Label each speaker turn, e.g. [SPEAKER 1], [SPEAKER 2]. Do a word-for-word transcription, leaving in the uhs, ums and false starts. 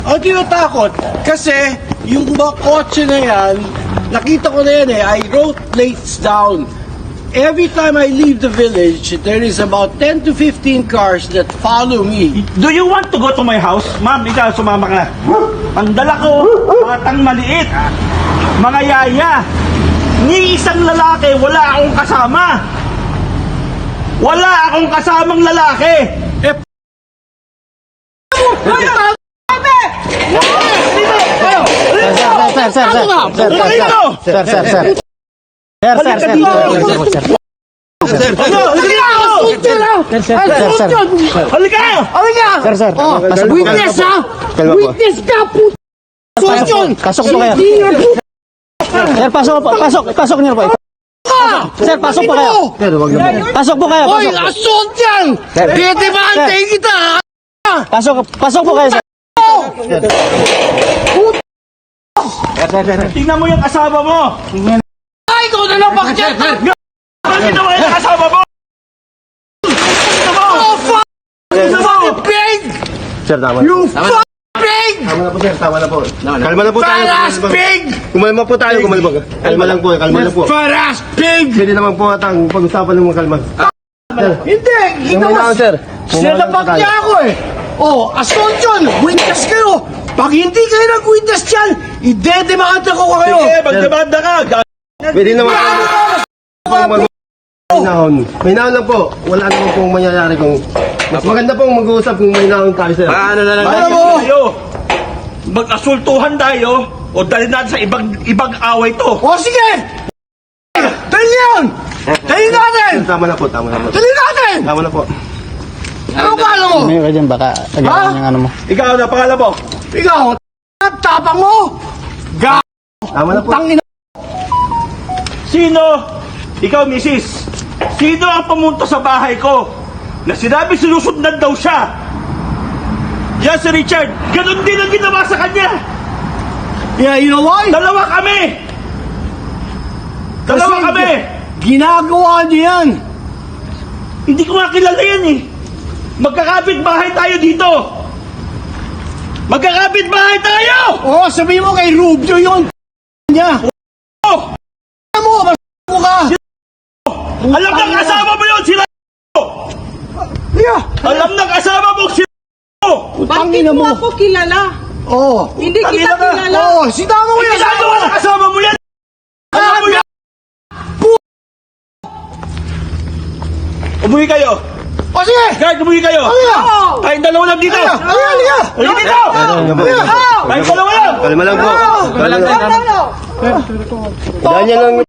[SPEAKER 1] Ang tinatakot, kasi yung mga kotse na yan, nakita ko na yan eh, I wrote plates down. Every time I leave the village, there is about ten to fifteen cars that follow me.
[SPEAKER 2] Do you want to go to my house? Ma'am, ikaw sumama ka na. Ang dala ko, batang maliit, mga yaya. Ni isang lalaki, wala akong kasama. Wala akong kasamang lalaki.
[SPEAKER 1] Eh,
[SPEAKER 3] Sir, sir, sir, sir, sir, sir, sir, sir, sir. Sir, sir, sir, sir, sir.
[SPEAKER 2] Ano?
[SPEAKER 3] Sir, sir, sir, sir.
[SPEAKER 2] Halika!
[SPEAKER 3] Halika! Sir, sir.
[SPEAKER 4] Oh, witness ha! Witness ka, puto!
[SPEAKER 3] Pasok, pasok po kayo. Sir, pasok, pasok, pasok niyo po. Sir, pasok po kayo. Pasok po kayo,
[SPEAKER 4] Hoy,
[SPEAKER 3] pasok.
[SPEAKER 4] assault yan! Pwede ba antayin kita, ha?
[SPEAKER 3] Pasok, pasok po kayo, sir.
[SPEAKER 2] Tingnan mo yung kasama mo.
[SPEAKER 4] Ay, ikaw na lang, bakit?
[SPEAKER 2] Ano ginawa yung kasama mo?
[SPEAKER 4] Oh, fuck! You pig!
[SPEAKER 3] Sir, tama.
[SPEAKER 4] You fuck pig!
[SPEAKER 3] Tama na po, sir, tama na po. Kalma na po tayo.
[SPEAKER 4] Fat-ass pig!
[SPEAKER 3] Kumalma po tayo, kumalma. Kalma lang po, kalma lang po.
[SPEAKER 4] Fat-ass pig!
[SPEAKER 3] Pwede naman po at ang pag-usapan ng mga kalma.
[SPEAKER 4] Hindi! Ginawa!
[SPEAKER 3] sir.
[SPEAKER 4] Sinabak niya ako eh! Oh, assault yun! Witness kayo! Pag hindi kayo nag-witness dyan, idedemanda ko kayo!
[SPEAKER 2] Sige, magdemanda ka.
[SPEAKER 3] Pwede naman po. May nahon. May nahon lang po. Wala naman pong mangyayari kung... Mas maganda pong mag-uusap kung may nahon tayo, sir.
[SPEAKER 2] Paano na lang
[SPEAKER 4] Alam mo!
[SPEAKER 2] tayo? Mag-asultuhan tayo o dali natin sa ibang ibang away to.
[SPEAKER 4] O sige! Dali yan! Dali natin!
[SPEAKER 3] Tama na po, tama na po.
[SPEAKER 4] Dali natin!
[SPEAKER 3] Tama na po.
[SPEAKER 4] Ano ba mo?
[SPEAKER 3] May ka dyan, baka agawan yung ano mo.
[SPEAKER 2] Ikaw na, pangalan mo?
[SPEAKER 4] Ikaw, t- tapang mo! Ga...
[SPEAKER 3] Tama na po.
[SPEAKER 4] Tangin
[SPEAKER 2] Sino? Ikaw, misis. Sino ang pumunta sa bahay ko na sinabi sinusundan daw siya? Yan si Richard. Ganon din ang ginawa sa kanya.
[SPEAKER 4] Yeah, you know why?
[SPEAKER 2] Dalawa kami. Dalawa
[SPEAKER 4] Kasi
[SPEAKER 2] kami.
[SPEAKER 4] Ginagawa niya yan!
[SPEAKER 2] Hindi ko nga kilala yan eh. Magkakapit bahay tayo dito. Magkakapit bahay tayo.
[SPEAKER 4] Oo, sabihin mo kay Rubio yun! Niya!
[SPEAKER 2] Oh,
[SPEAKER 4] Alam mo, mas mo ka!
[SPEAKER 2] alam ng kasama mo yun, sila.
[SPEAKER 4] Yeah!
[SPEAKER 2] Alam ng kasama mo, sila.
[SPEAKER 4] Utangin
[SPEAKER 5] Bakit
[SPEAKER 4] na
[SPEAKER 5] mo
[SPEAKER 4] mo!
[SPEAKER 5] ako kilala?
[SPEAKER 4] Oo!
[SPEAKER 5] Hindi
[SPEAKER 2] Tangina
[SPEAKER 5] kita
[SPEAKER 2] ka.
[SPEAKER 5] kilala.
[SPEAKER 4] Oo! Sinama mo
[SPEAKER 2] Ay,
[SPEAKER 4] yan!
[SPEAKER 2] ginagawa ng kasama mo yan. Alam mo yan. Umuwi kayo.
[SPEAKER 4] O sige!
[SPEAKER 2] Guard, umuwi kayo.
[SPEAKER 4] Halika!
[SPEAKER 2] Tayong dalawa lang dito.
[SPEAKER 4] Halika! Halika!
[SPEAKER 2] Halika dito.
[SPEAKER 4] Halika!
[SPEAKER 2] Tayong dalawa lang.
[SPEAKER 3] Kalma lang po. Kalma lang.
[SPEAKER 5] No, no, no.
[SPEAKER 3] Ganyan lang.